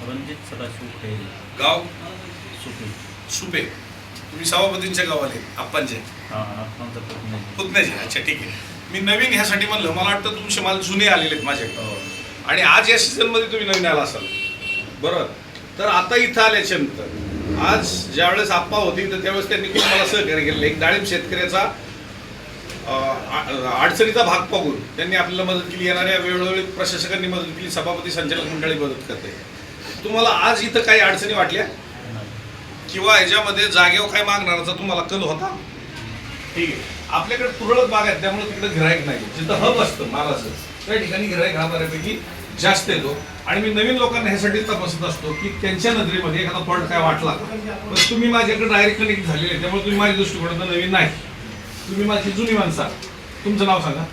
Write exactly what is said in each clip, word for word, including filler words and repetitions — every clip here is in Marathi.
रणजित सदाशिव खैरे, गाव सुपे. सुपे. तुम्ही सभापतींच्या गावाले आप्पांचे हां आप्पांचा पुतणे. पुतण्याचे. अच्छा ठीक आहे. मी नवीन ह्यासाठी म्हणलं, मला वाटतं तुमचे माल जुने आलेले आहेत माझ्याकडे हो. आणि आज या सीझनमध्ये तुम्ही नवीन आला असाल बरोबर. तर आता इथं आल्याच्या नंतर आज ज्यावेळेस आप्पा होती तर त्यावेळेस त्यांनी खूप मला सहकार्य केलेलं. एक डाळिंब शेतकऱ्याचा अडचणीचा भाग पाहून त्यांनी आपल्याला मदत केली. येणाऱ्या वेळोवेळी प्रशासकांनी मदत केली, सभापती संचालक मंडळी मदत करते. तुम्हाला आज इथं काही अडचणी वाटल्या किंवा ह्याच्यामध्ये जागेवर काय मागणाराचा तुम्हाला कल होता? ठीक आहे. आपल्याकडे तुरळक बाग आहेत त्यामुळे तिकडे गिराईक नाही. जिथं हब असतं मालाचं त्या ठिकाणी गिराईक हा बऱ्यापैकी जास्त येतो. आणि मी नवीन लोकांना ह्यासाठी तपासत असतो की त्यांच्या नजरेमध्ये एखादा फॉल्ट काय वाटला. पण तुम्ही माझ्याकडे डायरेक्ट कनेक्ट झालेले त्यामुळे तुम्ही माझ्या दृष्टिकोनातून नवीन नाही, तुम्ही माझी जुनी माणसा. तुमचं नाव सांगा.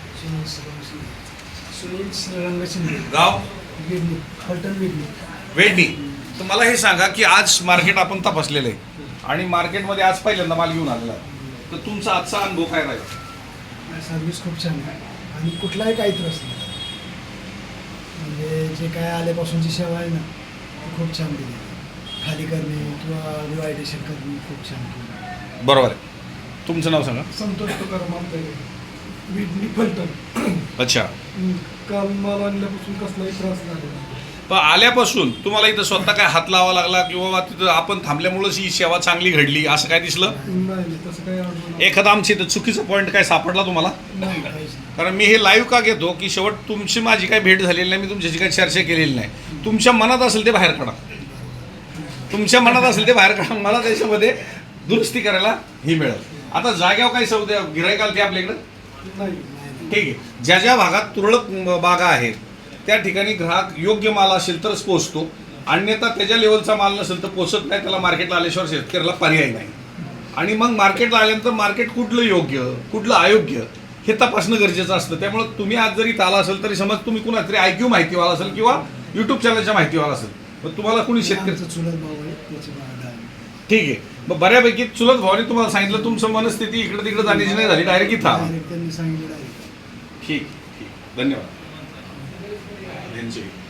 सुनील श्रीरंग शिंदे, गाव वेडणी, फलटण वेडणी. वेडणी. तर मला हे सांगा की आज मार्केट आपण तपासलेलं आहे आणि मार्केटमध्ये आज पहिल्यांदा माल घेऊन आलेला आहे, तर तुमचा आजचा अनुभव काय राहील? सर्व्हिस खूप छान आहे आणि कुठलाही काही त्रास नाही. म्हणजे जे काय आल्यापासूनची सेवा आहे ना ती खूप छान दिली. खाली करणे किंवा रिवायडेशन करणे खूप छान केली. बरोबर आहे. तुमचं नाव सांगा. संतोष तुकाराम आमदार, वेडणी, फलटण. अच्छा. काल माल आणल्यापासून कसलाही त्रास झाला नाही. पण आल्यापासून तुम्हाला इथं स्वतः काय हात लावा लागला किंवा तिथं आपण थांबल्यामुळेच ही सेवा चांगली घडली असं काय दिसलं? नाही, तसं काही अडचण नाही. एखादा आमच्या इथं चुकीचा पॉईंट काय सापडला तुम्हाला? नाही, काहीच नाही. कारण मी हे लाईव्ह का घेतो की शेवट तुमची माझी काही भेट झालेली नाही, मी तुमच्याशी काही चर्चा केलेली नाही. तुमच्या मनात असेल ते बाहेर काढा, तुमच्या मनात असेल ते बाहेर काढा. मला त्याच्यामध्ये दुरुस्ती करायला ही मिळेल. आता जाग्यावर काही सौद्या गिरायकाल ते आपल्याकडं नाही, नाही. ठीक आहे. ज्या ज्या भागात तुरळक बागा आहेत त्या ठिकाणी ग्राहक योग्य माल असेल तरच पोचतो, अन्यथा त्याच्या लेवलचा माल नसेल तर पोचत नाही. त्याला मार्केटला आल्याशिवाय शेतकऱ्याला पर्याय नाही. आणि मग मार्केटला आल्यानंतर मार्केट कुठलं योग्य कुठलं अयोग्य हे तपासणं गरजेचं असतं. त्यामुळे तुम्ही आज जरी आला असेल तरी समज तुम्ही कुणा तरी आय क्यू माहितीवाला असेल किंवा युट्यूब चॅनलच्या माहितीवाला असेल, मग तुम्हाला कुणी शेतकरी आमचं चुलत भाऊ आहे, त्याची बाग आहे. ठीक आहे. मग बऱ्यापैकी चुलत भावाने तुम्हाला सांगितलं, तुमचं मनस्थिती इकडे तिकडे जाण्याची नाही झाली, डायरेक्ट इथं आला. Direct त्यांनी सांगितलं आहे. ठीक ठीक. धन्यवाद. यांचे